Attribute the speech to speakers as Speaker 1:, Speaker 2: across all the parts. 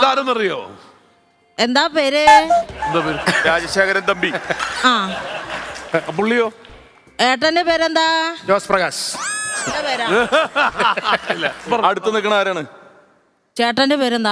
Speaker 1: ഇതാരെന്നറിയോ?
Speaker 2: എന്താ പേര്?
Speaker 1: എന്താ പേര്? രാജശേഖരൻ തമ്പി.
Speaker 2: ആ
Speaker 1: പുള്ളിയോ?
Speaker 2: ഏട്ടന്റെ പേരെന്താ?
Speaker 3: ജോസ് പ്രകാശ്.
Speaker 2: പേരാ
Speaker 1: അടുത്ത് നിൽക്കണ ആരാണ്?
Speaker 2: ചേട്ടന്റെ പേരെന്താ?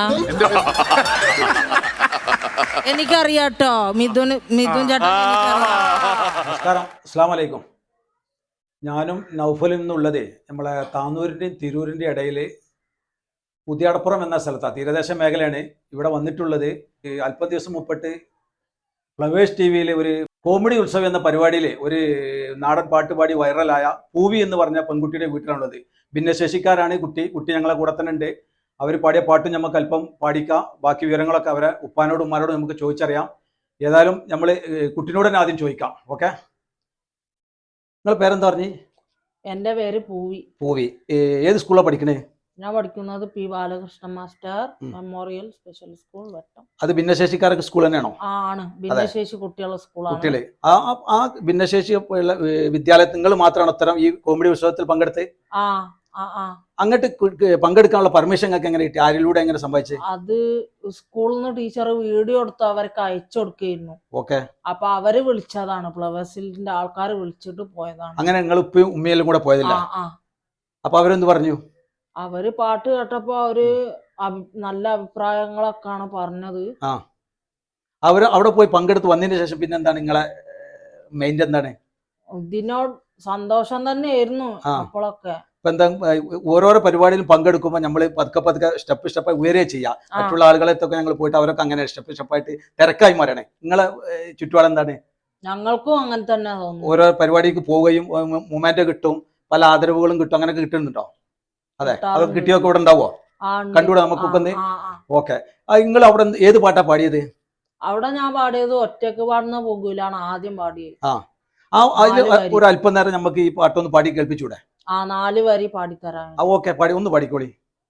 Speaker 2: എനിക്കറിയാട്ടോ, മിഥുൻ ചേട്ടൻ.
Speaker 4: നമസ്കാരം, അസ്സലാമു അലൈക്കും. ഞാനും നൗഫലിൽ നിന്നുള്ളത് നമ്മളെ താന്നൂരിൻ്റെയും തിരൂരിൻ്റെയും ഇടയിൽ പുതിയടപ്പുറം എന്ന സ്ഥലത്താണ്. തീരദേശ മേഖലയാണ്. ഇവിടെ വന്നിട്ടുള്ളത് അല്പ ദിവസം മുമ്പിട്ട് ഫ്ലവേഴ്സ് ടി വിയിൽ ഒരു കോമഡി ഉത്സവം എന്ന പരിപാടിയിൽ ഒരു നാടൻ പാട്ടുപാടി വൈറലായ പൂവി എന്ന് പറഞ്ഞ പെൺകുട്ടിയുടെ വീട്ടിലാണുള്ളത്. ഭിന്നശേഷിക്കാരാണ് കുട്ടി ഞങ്ങളെ കൂടെ തന്നെ ഉണ്ട്. അവർ പാടിയ പാട്ടും നമുക്ക് അല്പം പാടിക്കാം. ബാക്കി വിവരങ്ങളൊക്കെ അവരെ ഉപ്പാനോടും ഉമ്മാനോടും നമുക്ക് ചോദിച്ചറിയാം. ഏതായാലും നമ്മൾ കുട്ടിനോട് തന്നെ ആദ്യം ചോദിക്കാം. ഓക്കെ, നിങ്ങൾ പേരെന്താ പറഞ്ഞു?
Speaker 2: എന്റെ പേര് പൂവി.
Speaker 4: പൂവി ഏത് സ്കൂളിലാണ് പഠിക്കണേ?
Speaker 2: ഞാൻ പഠിക്കുന്നത് P Balakrishna master memorial special school വട്ടം.
Speaker 4: അത് ഭിന്നശേഷിക്കാർക്ക് സ്കൂൾ തന്നെയാണോ?
Speaker 2: ആണ്, ഭിന്നശേഷി കുട്ടികളുടെ സ്കൂളാണ്.
Speaker 4: കുട്ടികളെ ആ ഭിന്നശേഷി വിദ്യാലയത്തിൽ നിങ്ങൾ മാത്രമാണ് അത്തരം ഈ കോമഡി ഉത്സവത്തിൽ പങ്കെടുത്ത്? അങ്ങോട്ട് പങ്കെടുക്കാനുള്ള പെർമിഷൻ ഒക്കെ എങ്ങനെ കിട്ടി? ആരിലൂടെ എങ്ങനെ സംഭവിച്ചത്?
Speaker 2: അത് സ്കൂളിൽ നിന്ന് ടീച്ചർ വീഡിയോ എടുത്ത് അവർക്ക് അയച്ചു കൊടുക്കുന്നു.
Speaker 4: ഓക്കെ,
Speaker 2: അപ്പൊ അവര് വിളിച്ചതാണ്, ഫ്ലവേഴ്സിന്റെ ആൾക്കാർ വിളിച്ചിട്ട് പോയതാണ്.
Speaker 4: അങ്ങനെ നിങ്ങൾ ഉപ്പയും ഉമ്മയിലും കൂടെ പോയതില്ല? അപ്പൊ അവരെന്ത് പറഞ്ഞു?
Speaker 2: അവര് പാട്ട് കേട്ടപ്പോ അവര് നല്ല അഭിപ്രായങ്ങളൊക്കെയാണ് പറഞ്ഞത്.
Speaker 4: അവര് അവിടെ പോയി പങ്കെടുത്ത് വന്നതിന് ശേഷം പിന്നെ എന്താണ് നിങ്ങളെ മൈൻഡ് എന്താണ്?
Speaker 2: ഇതിനോട് സന്തോഷം തന്നെയായിരുന്നു അപ്പോഴൊക്കെ.
Speaker 4: ഇപ്പൊ എന്താ, ഓരോരോ പരിപാടിയിലും പങ്കെടുക്കുമ്പോൾ നമ്മൾ പതുക്കെ സ്റ്റെപ്പായി ഉയരുകയും ചെയ്യാം. മറ്റുള്ള ആളുകളെത്തൊക്കെ ഞങ്ങൾ പോയിട്ട് അവരൊക്കെ അങ്ങനെ സ്റ്റെപ്പായിട്ട് തിരക്കായി മാറണേ. നിങ്ങളെ ചുറ്റുപാട് എന്താണ്?
Speaker 2: ഞങ്ങൾക്കും അങ്ങനെ തന്നെ തോന്നുന്നു.
Speaker 4: ഓരോ പരിപാടിക്ക് പോവുകയും മൊമെന്റ് കിട്ടും, പല ആദരവുകളും കിട്ടും, അങ്ങനെ കിട്ടുന്നുണ്ടോ? അതെ, അത് കിട്ടിയൊക്കെ ഇവിടെ ഉണ്ടാവോ? കണ്ടുകൂടെ നമുക്കൊക്കെ ഒന്ന്? ഓക്കെ, നിങ്ങൾ അവിടെ ഏത് പാട്ടാ പാടിയത്?
Speaker 2: അവിടെ ഞാൻ പാടിയത് ഒറ്റക്ക് പാടുന്ന പോകൂലാണ് ആദ്യം പാടിയത്.
Speaker 4: അതിൽ ഒരു അല്പം നേരം നമുക്ക് ഈ പാട്ടൊന്ന് പാടി കേൾപ്പിച്ചൂടെ?
Speaker 2: 4 വരി പാടിത്തരാം.
Speaker 4: ഓക്കെ, ഒന്ന് പാടിക്കോളി.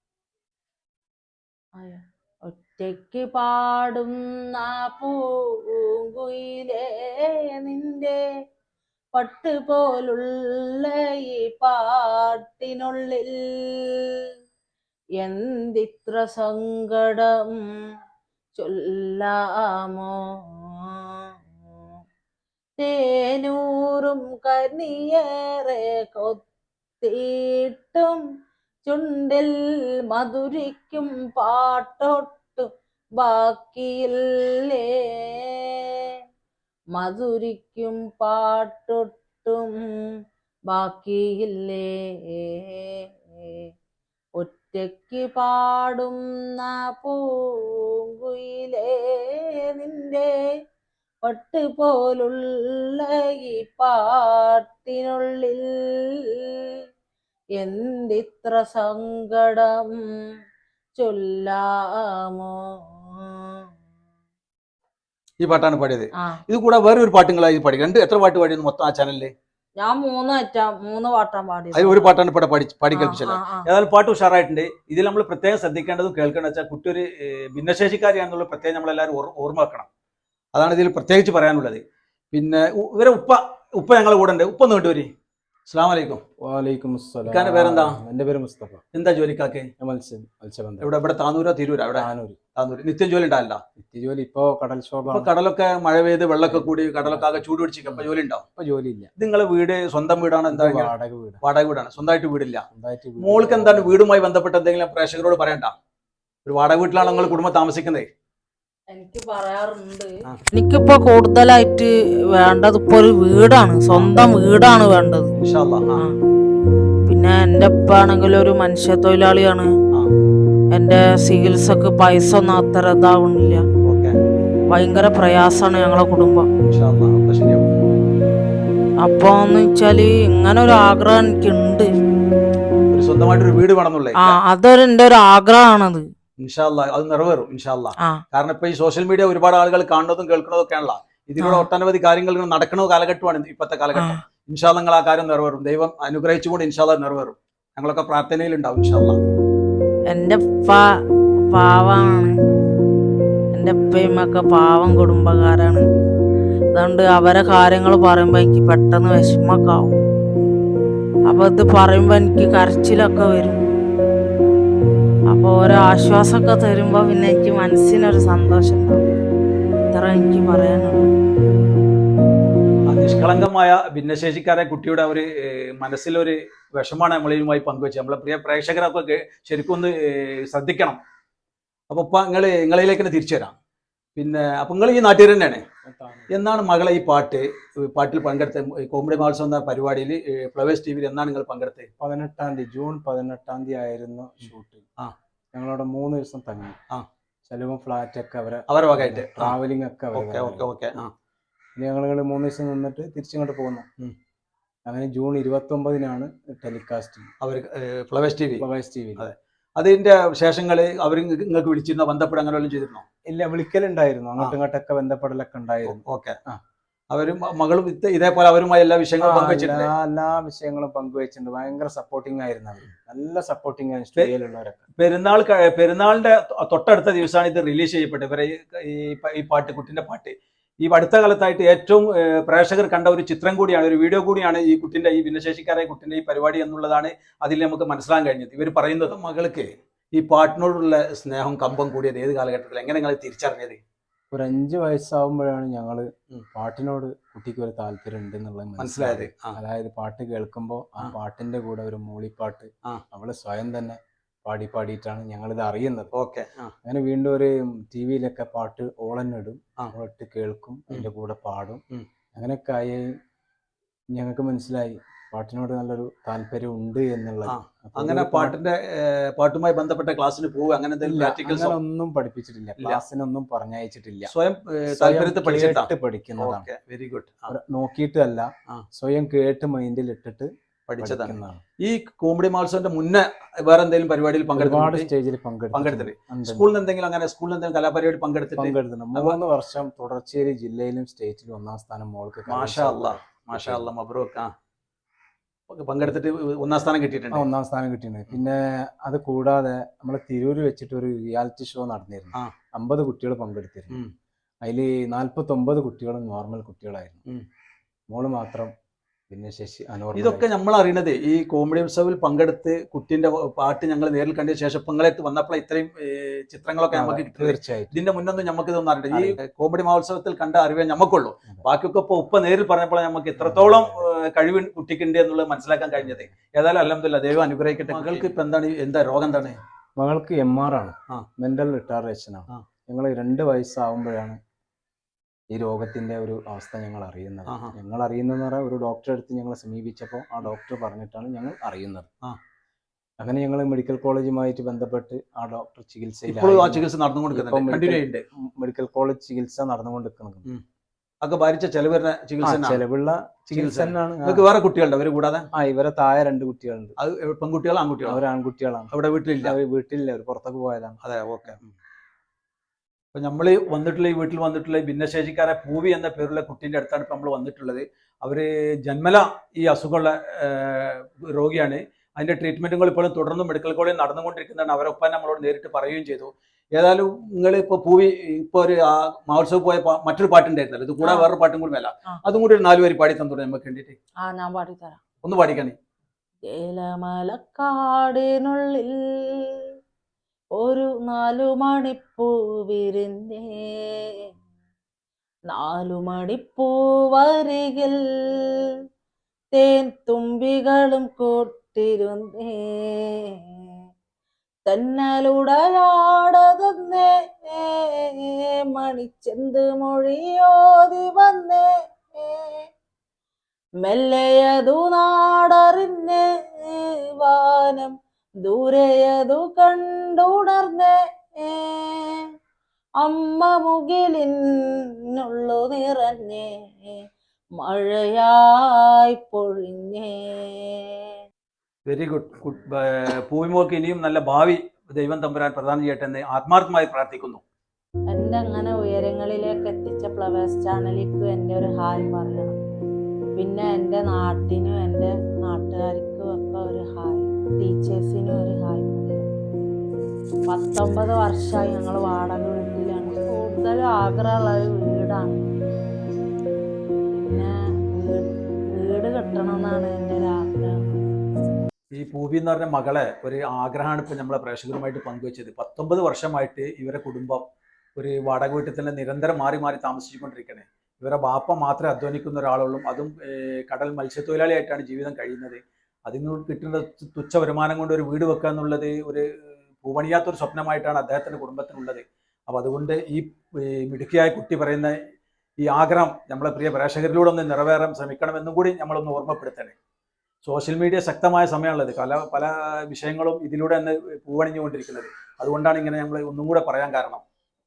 Speaker 2: ഒറ്റയ്ക്ക് പാടുന്ന പൂങ്കുയിലേ നിന്റെ പട്ടുപോലുള്ള ഈ പാട്ടിനുള്ളിൽ എന്തിത്ര സങ്കടം ചൊല്ലാമോ, തേനൂറും കനിയേറെ കൊത്തിയിട്ടും ചുണ്ടിൽ മധുരിക്കും പാട്ടൊട്ടും ബാക്കിയില്ലേ, മധുരിക്കും പാട്ടൊട്ടും ബാക്കിയില്ലേ, ഒറ്റയ്ക്ക് പാടുന്ന പൂങ്കുയിലേ നിന്റെ പട്ടുപോലുള്ള ഈ പാട്ടിനുള്ളിൽ എന്തിത്ര സങ്കടം ചൊല്ലാമോ.
Speaker 4: ഈ പാട്ടാണ് പാടിയത്. ഇത് കൂടെ വേറെ ഒരു പാട്ടുകളായി പാടി. എത്ര പാട്ട് പാടിയെന്ന് മൊത്തം ആ ചാനലില്?
Speaker 2: ഞാൻ 3 പാട്ടാണ് പാടിയത്.
Speaker 4: അതിൽ ഒരു പാട്ടാണ് ഇവിടെ പാടി കേൾപ്പിച്ചത്. ഏതായാലും പാട്ട് ഉഷാറായിട്ടുണ്ട്. ഇതിൽ നമ്മൾ പ്രത്യേകം ശ്രദ്ധിക്കേണ്ടതും കേൾക്കേണ്ടത് വെച്ചാൽ കുട്ടി ഒരു ഭിന്നശേഷിക്കാരിയാണെന്നുള്ള പ്രത്യേകം നമ്മളെല്ലാവരും ഓർമ്മ വെക്കണം. അതാണ് ഇതിൽ പ്രത്യേകിച്ച് പറയാനുള്ളത്. പിന്നെ ഇവരെ ഉപ്പ ഞങ്ങളെ കൂടെ ഉണ്ട്. ഉപ്പ ഒന്ന് കേട്ടുവരി. അസ്സലാമു അലൈക്കും.
Speaker 3: വലൈക്കും അസ്സലാം.
Speaker 4: ഇക്കാന്റെ പേരെന്താ?
Speaker 3: എന്റെ പേര് മുസ്തഫ.
Speaker 4: എന്താ ജോലിക്കാക്കെ?
Speaker 3: മത്സ്യബന്ധനം.
Speaker 4: ഇവിടെ താന്നൂരോ തിരൂരോ? അവിടെ താന്നൂര്. നിത്യം ജോലി ഉണ്ടാവില്ല?
Speaker 3: നിത്യജോലി ഇപ്പൊ കടൽ ക്ഷോഭം.
Speaker 4: കടലൊക്കെ മഴ പെയ്ത് വെള്ളമൊക്കെ കൂടി കടലൊക്കെ ആകെ ചൂട് പിടിച്ചിരിക്കും. അപ്പൊ ജോലി ഉണ്ടാവും?
Speaker 3: ഇപ്പൊ ജോലിയില്ല.
Speaker 4: നിങ്ങളെ വീട് സ്വന്തം വീടാണ്? എന്താ വാടക വീടാണ്? സ്വന്തമായിട്ട് വീടില്ല? മോൾക്ക് എന്താണ് വീടുമായി ബന്ധപ്പെട്ട് എന്തെങ്കിലും പ്രേക്ഷകരോട് പറയണ്ട? ഒരു വാടക വീട്ടിലാണ് നിങ്ങൾ കുടുംബം താമസിക്കുന്നത്?
Speaker 2: എനിക്ക് പറയാറുണ്ട്. എനിക്കിപ്പോ കൂടുതലായിട്ട് വേണ്ടത് ഇപ്പൊ ഒരു വീടാണ്, സ്വന്തം വീടാണ് വേണ്ടത്. പിന്നെ എന്റെ ഉപ്പ ആണെങ്കിൽ ഒരു മനുഷ്യ തൊഴിലാളിയാണ്. എന്റെ ചികിത്സക്ക് പൈസ ഒന്നും അത്ര ഇതാവണില്ല. ഭയങ്കര പ്രയാസമാണ് ഞങ്ങളെ കുടുംബം. അപ്പൊ എന്ന് വെച്ചാല് ഇങ്ങനെ ഒരു ആഗ്രഹം എനിക്കുണ്ട്.
Speaker 4: സ്വന്തമായിട്ടൊരു വീട് വേണമെന്നുള്ള
Speaker 2: എന്റെ ഒരു ആഗ്രഹമാണത്.
Speaker 4: ഇൻഷാല്ലാ അത് നിറവേറും ഇൻഷാല്ലാ. കാരണം ഇപ്പൊ ഈ സോഷ്യൽ മീഡിയ ഒരുപാട് ആളുകൾ കാണുന്നതും കേൾക്കുന്നതും ഒക്കെയാണല്ലോ. ഇതിലൂടെ ഒട്ടനവധി കാര്യങ്ങൾ നടക്കുന്ന കാലഘട്ടമാണ് ഇപ്പോഴത്തെ കാലഘട്ടം. ഇൻഷാല്ലാ നിങ്ങൾ ആ കാര്യം നിറവേറും. ദൈവം അനുഗ്രഹിച്ചുകൊണ്ട് ഇൻഷാല്ലാ നിറവേറും. ഞങ്ങളൊക്കെ പ്രാർത്ഥനയിലുണ്ടാവും ഇൻഷാല്ലാ.
Speaker 2: എന്റെ പാവാണ്. എന്റെ ഉപ്പയുമൊക്കെ പാവം കുടുംബക്കാരാണ്. അതുകൊണ്ട് അവരെ കാര്യങ്ങൾ പറയുമ്പോ എനിക്ക് പെട്ടെന്ന് വിഷമൊക്കെ ആവും. അപ്പൊ ഇത് പറയുമ്പോ എനിക്ക് കരച്ചിലൊക്കെ വരും. അപ്പൊ ഓരോ ആശ്വാസമൊക്കെ തരുമ്പോൾ പിന്നെ എനിക്ക് മനസ്സിനൊരു സന്തോഷം ഉണ്ടാവും. ഇത്ര എനിക്ക് പറയാനുള്ളൂ.
Speaker 4: ആ നിഷ്കളങ്കമായ ഭിന്നശേഷിക്കാരെ കുട്ടിയുടെ ഒരു മനസ്സിലൊരു വിഷമാണ് നമ്മളുമായി പങ്കുവെച്ചത്. നമ്മളെ പ്രിയ പ്രേക്ഷകരൊക്കെ ശരിക്കും ഒന്ന് ശ്രദ്ധിക്കണം. അപ്പോൾ ഇപ്പം നിങ്ങളിലേക്ക് തന്നെ തിരിച്ചു വരാം. പിന്നെ അപ്പം നിങ്ങൾ ഈ നാട്ടിൽ തന്നെയാണ്. എന്നാണ് മകളെ ഈ പാട്ടിൽ പങ്കെടുത്ത കോമഡി മഹോത്സവം എന്ന പരിപാടിയിൽ ഫ്ലവേഴ്സ് ടി വിയിൽ എന്നാണ് നിങ്ങൾ പങ്കെടുത്തത്?
Speaker 3: 18 തീയതി ജൂൺ 18 ആയിരുന്നു ഷൂട്ട്. ഞങ്ങളവിടെ 3 ദിവസം തങ്ങി. ചെലവും ഫ്ലാറ്റ് ഒക്കെ
Speaker 4: അവരെ വകയായിട്ട്
Speaker 3: ട്രാവലിംഗ് ഒക്കെ
Speaker 4: ഓക്കെ.
Speaker 3: ഞങ്ങൾ 3 ദിവസം നിന്നിട്ട് തിരിച്ചിങ്ങോട്ട് പോകുന്നു. അങ്ങനെ ജൂൺ 29 ടെലികാസ്റ്റ് അവർ
Speaker 4: ഫ്ലവേഴ്സ് ടി വി.
Speaker 3: അതെ.
Speaker 4: അതിന്റെ ശേഷങ്ങൾ അവർ നിങ്ങൾക്ക് വിളിച്ചിരുന്നോ, ബന്ധപ്പെടാൻ അങ്ങനെ വല്ലതും ചെയ്തിരുന്നോ?
Speaker 3: ഇല്ല, വിളിക്കലുണ്ടായിരുന്നു. അങ്ങോട്ടും ഇങ്ങോട്ടൊക്കെ ബന്ധപ്പെടലൊക്കെ ഉണ്ടായിരുന്നു.
Speaker 4: ഓക്കെ. അവരും മകളും ഇതേപോലെ അവരുമായി എല്ലാ വിഷയങ്ങളും പങ്കുവെച്ചിട്ടുണ്ട്.
Speaker 3: എല്ലാ വിഷയങ്ങളും പങ്കുവെച്ചിട്ടുണ്ട്. ഭയങ്കര സപ്പോർട്ടിങ് ആയിരുന്നു അവർ. നല്ല സപ്പോർട്ടിങ് ആയിരുന്നു സ്റ്റുഡിയോയിലുള്ളവരൊക്കെ.
Speaker 4: പെരുന്നാളിന്റെ തൊട്ടടുത്ത ദിവസമാണ് ഇത് റിലീസ് ചെയ്യപ്പെട്ടത്. ഇവരെ ഈ പാട്ട്, കുട്ടിന്റെ പാട്ട് ഈ അടുത്ത കാലത്തായിട്ട് ഏറ്റവും പ്രേക്ഷകർ കണ്ട ഒരു ചിത്രം കൂടിയാണ്, ഒരു വീഡിയോ കൂടിയാണ് ഈ കുട്ടിന്റെ, ഈ ഭിന്നശേഷിക്കാരായ കുട്ടിന്റെ ഈ പരിപാടി എന്നുള്ളതാണ് അതിൽ നമുക്ക് മനസ്സിലാക്കാൻ കഴിഞ്ഞത്. ഇവർ പറയുന്നത് മകൾക്ക് ഈ പാട്ടിനോടുള്ള സ്നേഹം, കമ്പം കൂടിയത് ഏത് കാലഘട്ടത്തിൽ, എങ്ങനെ നിങ്ങൾ തിരിച്ചറിഞ്ഞത്?
Speaker 3: ഒരു 5 വയസ്സാവുമ്പോഴാണ് ഞങ്ങള് പാട്ടിനോട് കുട്ടിക്ക് ഒരു താല്പര്യം ഉണ്ടെന്നുള്ളത് മനസ്സിലായത്. അതായത് പാട്ട് കേൾക്കുമ്പോൾ ആ പാട്ടിന്റെ കൂടെ ഒരു മൂളിപ്പാട്ട് അവള് സ്വയം തന്നെ പാടിയിട്ടാണ് ഞങ്ങളിത് അറിയുന്നത്.
Speaker 4: ഓക്കെ.
Speaker 3: അങ്ങനെ വീണ്ടും ഒരു ടി വിയിലൊക്കെ പാട്ട് ഓളന്നിടും, അവളിട്ട് കേൾക്കും, അതിന്റെ കൂടെ പാടും. അങ്ങനെയൊക്കെ ആയി ഞങ്ങൾക്ക് മനസ്സിലായി പാട്ടിനോട് നല്ലൊരു താല്പര്യം ഉണ്ട് എന്നുള്ളത്.
Speaker 4: അങ്ങനെ പാട്ടുമായി ബന്ധപ്പെട്ട ക്ലാസ്സിന് പോകുക അങ്ങനെ
Speaker 3: ഒന്നും പഠിപ്പിച്ചിട്ടില്ല, ക്ലാസ്സിനൊന്നും പറഞ്ഞയച്ചിട്ടില്ല.
Speaker 4: സ്വയം
Speaker 3: പഠിക്കുന്നതാണ്.
Speaker 4: Very good.
Speaker 3: നോക്കിയിട്ടല്ല, സ്വയം കേട്ട് മൈൻഡിൽ ഇട്ടിട്ട്
Speaker 4: പഠിച്ചതാണ്. ഈ കോമഡി മഹോത്സവത്തിന്റെ മുന്നേ വേറെ എന്തെങ്കിലും പരിപാടിയിൽ പങ്കെടുത്തു?
Speaker 3: സ്റ്റേജിൽ
Speaker 4: പങ്കെടുത്തിട്ട് സ്കൂളിൽ നിന്ന് എന്തെങ്കിലും കലാപരിപാടി പങ്കെടുത്തിട്ടുണ്ട്?
Speaker 3: 3 വർഷം തുടർച്ചയായി ജില്ലയിലും സ്റ്റേറ്റിലും 1ാം സ്ഥാനം മോൾക്ക്.
Speaker 4: മാഷാ അല്ലാ മബ്രൂക്ക്. പങ്കെടുത്തിട്ട് 1ാം സ്ഥാനം കിട്ടിയിട്ടുണ്ട്.
Speaker 3: 1ാം സ്ഥാനം കിട്ടിയിട്ടുണ്ട്. പിന്നെ അത് കൂടാതെ നമ്മളെ തിരൂര് വെച്ചിട്ട് ഒരു റിയാലിറ്റി ഷോ നടന്നിരുന്നു. 50 കുട്ടികൾ പങ്കെടുത്തിരുന്നു. അതിൽ 49 കുട്ടികളും നോർമൽ കുട്ടികളായിരുന്നു. മോള് മാത്രം ഭിന്നശേഷി.
Speaker 4: ഇതൊക്കെ നമ്മൾ അറിയണത് ഈ കോമഡി ഉത്സവിൽ പങ്കെടുത്ത് കുട്ടിന്റെ പാട്ട് ഞങ്ങൾ നേരിൽ കണ്ട ശേഷം പങ്ങളെത്ത് വന്നപ്പോൾ ഇത്രയും ചിത്രങ്ങളൊക്കെ നമുക്ക്
Speaker 3: തീർച്ചയായും.
Speaker 4: ഇതിന്റെ മുന്നൊന്നും നമുക്ക് ഇതൊന്നും അറിയില്ല. ഈ കോമഡി മഹോത്സവത്തിൽ കണ്ട അറിവേ നമുക്കുള്ളൂ. ബാക്കിയൊക്കെ ഇപ്പൊ നേരിൽ പറഞ്ഞപ്പോൾ നമുക്ക് എത്രത്തോളം കഴിവ് കുട്ടിക്കുണ്ട് എന്നുള്ളത് മനസ്സിലാക്കാൻ കഴിഞ്ഞത്. ഏതായാലും അൽഹംദുലില്ലാ, ദൈവം അനുഗ്രഹിക്കട്ടെ. മകൾക്ക് ഇപ്പൊ എന്താ രോഗം എന്താണ്?
Speaker 3: മകൾക്ക് MR ആണ്, മെന്റൽ റിട്ടാർഡേഷൻ ആണ്. ഞങ്ങൾ 2 വയസ്സാവുമ്പോഴാണ് ഈ രോഗത്തിന്റെ ഒരു അവസ്ഥ ഞങ്ങൾ അറിയുന്നത്. ഞങ്ങൾ അറിയുന്നതെന്ന് പറഞ്ഞാൽ ഒരു ഡോക്ടറെ അടുത്ത് ഞങ്ങളെ സമീപിച്ചപ്പോൾ ആ ഡോക്ടർ പറഞ്ഞിട്ടാണ് ഞങ്ങൾ അറിയുന്നത്. അങ്ങനെ ഞങ്ങൾ മെഡിക്കൽ കോളേജുമായിട്ട് ബന്ധപ്പെട്ട് ആ ഡോക്ടർ
Speaker 4: ചികിത്സ നടന്നുകൊണ്ടിരിക്കുന്നുണ്ട്.
Speaker 3: മെഡിക്കൽ കോളേജ് ചികിത്സ നടന്നുകൊണ്ടിരിക്കുന്നത്.
Speaker 4: ഒക്കെ ഭാരിച്ച ചെലവുള്ള
Speaker 3: ചികിത്സ തന്നെയാണ്.
Speaker 4: നിങ്ങൾക്ക് വേറെ കുട്ടികളുണ്ട് അവര് കൂടാതെ?
Speaker 3: ഇവരെ താഴെ 2 കുട്ടികളുണ്ട്.
Speaker 4: അത് പെൺകുട്ടികളോ ആൺകുട്ടികളോ?
Speaker 3: അവർ ആൺകുട്ടികളാണ്.
Speaker 4: അവിടെ വീട്ടിലില്ല?
Speaker 3: അവർ പുറത്തൊക്കെ പോയതാണ്.
Speaker 4: അതെ, ഓക്കെ. അപ്പൊ നമ്മൾ ഈ വീട്ടിൽ വന്നിട്ടുള്ള ഭിന്നശേഷിക്കാരെ പൂവി എന്ന പേരുള്ള കുട്ടീൻ്റെ അടുത്താണ് ഇപ്പം നമ്മൾ വന്നിട്ടുള്ളത്. അവര് ജന്മല ഈ അസുഖമുള്ള രോഗിയാണ്. അതിന്റെ ട്രീറ്റ്മെന്റുകൾ ഇപ്പോഴും തുടർന്ന് മെഡിക്കൽ കോളേജിൽ നടന്നുകൊണ്ടിരിക്കുന്നതാണ്. അവരൊപ്പം നമ്മളോട് നേരിട്ട് പറയുകയും ചെയ്തു. ഏതായാലും നിങ്ങൾ ഇപ്പോൾ പൂവി ഇപ്പോൾ ഒരു മഹോത്സവം പോയ മറ്റൊരു പാട്ടുണ്ടായിരുന്നല്ലോ, ഇത് കൂടെ വേറൊരു പാട്ടും കൂടി മേല, അതും കൂടി ഒരു 4 വരി പാടി തന്നോടെ നമുക്ക് വേണ്ടിയിട്ട്.
Speaker 2: ഞാൻ പാടിത്തരാം.
Speaker 4: ഒന്ന് പാടിക്കാണേ.
Speaker 2: ഏലമലക്കാടിനുള്ളിൽ ഒരു 4 മണിപ്പൂ വിരിഞ്ഞേ, 4 മണിപ്പൂ വരികിൽ തേൻ തുമ്പികളും കൂട്ടിരുന്നേ, തന്നലുടയാടതന്നേ മണിച്ചെന്ത് മൊഴിയോതി വന്നേ, മെല്ലയതു നാടറിഞ്ഞ് വാനം ദൂരെയതു കണ്ടുണർന്നേ, അമ്മ മുകിലിനുള്ളു നിറഞ്ഞേ മഴയായി പൊഴിഞ്ഞേ.
Speaker 4: Very good. പൂവിമോക്ക് ഇനിയും നല്ല ഭാവി ദൈവം തമ്പുരാൻ പ്രദാനം ചെയ്യട്ടെ എന്ന് ആത്മാർത്ഥമായി പ്രാർത്ഥിക്കുന്നു.
Speaker 2: എൻ്റെ അങ്ങനെ ഉയരങ്ങളിലേക്ക് എത്തിച്ച ഫ്ലവേഴ്സ് ചാനലിക്ക് എൻ്റെ ഒരു ഹായ് പറയണം. പിന്നെ എൻ്റെ നാട്ടിനും എൻ്റെ നാട്ടുകാർക്കും ഒക്കെ ഒരു ഹായ്, ടീച്ചേഴ്സിനും ഒരു ഹായ് പറയണം. 19 വർഷമായി ഞങ്ങൾ വാടക വീട്ടിലാണ്. കൂടുതലും ആഗ്രഹമുള്ള ഒരു വീടാണ്. പിന്നെ വീട് കെട്ടണം എന്നാണ് എൻ്റെ ഒരു ആഗ്രഹം.
Speaker 4: ഈ പൂവി എന്ന് പറഞ്ഞ മകളെ ഒരു ആഗ്രഹമാണ് ഇപ്പം നമ്മളെ പ്രേക്ഷകരുമായിട്ട് പങ്കുവെച്ചത്. 19 വർഷമായിട്ട് ഇവരെ കുടുംബം ഒരു വാടക വീട്ടിൽ തന്നെ നിരന്തരം മാറി മാറി താമസിച്ചുകൊണ്ടിരിക്കണേ. ഇവരെ ബാപ്പ മാത്രമേ അധ്വാനിക്കുന്ന ഒരാളുള്ളൂ. അതും കടൽ മത്സ്യത്തൊഴിലാളിയായിട്ടാണ് ജീവിതം കഴിയുന്നത്. അതിന് കിട്ടുന്ന തുച്ഛ വരുമാനം കൊണ്ട് ഒരു വീട് വെക്കുക എന്നുള്ളത് ഒരു പൂവണിയാത്തൊരു സ്വപ്നമായിട്ടാണ് അദ്ദേഹത്തിൻ്റെ കുടുംബത്തിനുള്ളത്. അപ്പോൾ അതുകൊണ്ട് ഈ മിടുക്കിയായ കുട്ടി പറയുന്ന ഈ ആഗ്രഹം നമ്മളെ പ്രിയ പ്രേക്ഷകരിലൂടെ ഒന്ന് നിറവേറാൻ ശ്രമിക്കണമെന്നും കൂടി നമ്മളൊന്ന് ഓർമ്മപ്പെടുത്തണേ. സോഷ്യൽ മീഡിയ ശക്തമായ സമയമുള്ളത്, പല വിഷയങ്ങളും ഇതിലൂടെ തന്നെ പൂവണിഞ്ഞുകൊണ്ടിരിക്കുന്നത്. അതുകൊണ്ടാണ് ഇങ്ങനെ നമ്മൾ ഒന്നും കൂടെ പറയാൻ കാരണം.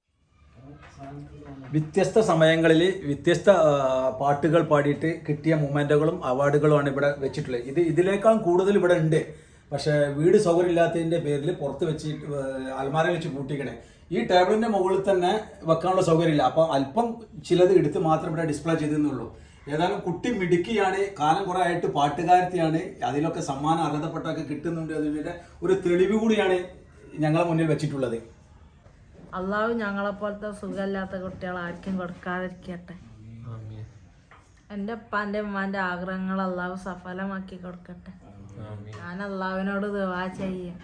Speaker 4: വ്യത്യസ്ത സമയങ്ങളിൽ വ്യത്യസ്ത പാട്ടുകൾ പാടിയിട്ട് കിട്ടിയ മൊമെൻറ്റുകളും അവാർഡുകളുമാണ് ഇവിടെ വെച്ചിട്ടുള്ളത്. ഇതിനേക്കാൾ കൂടുതൽ ഇവിടെ ഉണ്ട്. പക്ഷേ വീട് സൗകര്യമില്ലാത്തതിൻ്റെ പേരിൽ പുറത്ത് വെച്ച് അൽമാരയിൽ വെച്ച് പൂട്ടിക്കണേ. ഈ ടേബിളിൻ്റെ മുകളിൽ തന്നെ വെക്കാനുള്ള സൗകര്യമില്ല. അപ്പോൾ അല്പം ചിലത് എടുത്ത് മാത്രം ഇവിടെ ഡിസ്പ്ലേ ചെയ്തെന്നുള്ളൂ. ഏതായാലും കുട്ടി മിടുക്കിയാണ്, കാലം കുറേ ആയിട്ട് പാട്ടുകാരത്തിയാണ്, അതിലൊക്കെ സമ്മാനം അർഹതപ്പെട്ടൊക്കെ കിട്ടുന്നുണ്ട്. അതിൻ്റെ ഒരു തെളിവ് കൂടിയാണ് ഞങ്ങളെ മുന്നിൽ വെച്ചിട്ടുള്ളത്.
Speaker 2: അള്ളാഹു ഞങ്ങളെപ്പോലത്തെ സുഖമില്ലാത്ത കുട്ടികൾ ആർക്കും കൊടുക്കാതിരിക്കട്ടെ. എൻ്റെ ഉപ്പാൻ്റെ ഉമ്മാൻ്റെ ആഗ്രഹങ്ങൾ അള്ളാഹു സഫലമാക്കി കൊടുക്കട്ടെ. ഞാൻ അള്ളാഹുവിനോട് ദുആ ചെയ്യാം.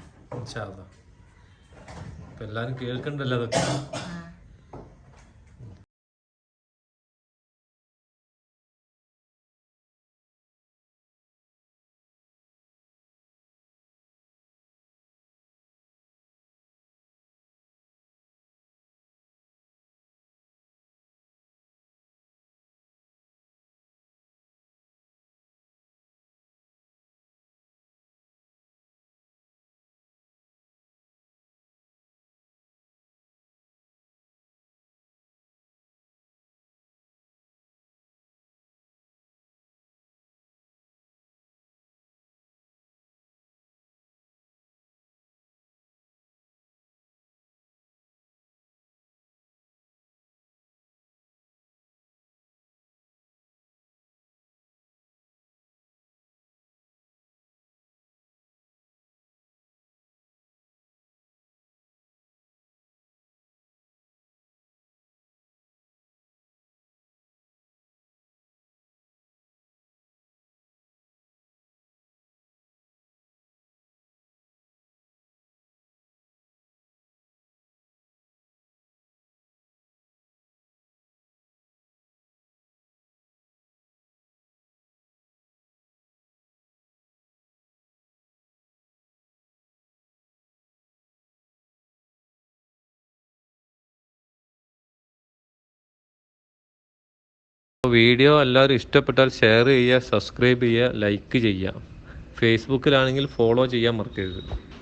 Speaker 5: എല്ലാരും കേൾക്കണ്ടല്ലോ അതൊക്കെ. വീഡിയോ എല്ലാവരും ഇഷ്ടപ്പെട്ടാൽ ഷെയർ ചെയ്യുക, സബ്സ്ക്രൈബ് ചെയ്യുക, ലൈക്ക് ചെയ്യുക. ഫേസ്ബുക്കിലാണെങ്കിൽ ഫോളോ ചെയ്യാൻ മറക്കരുത്.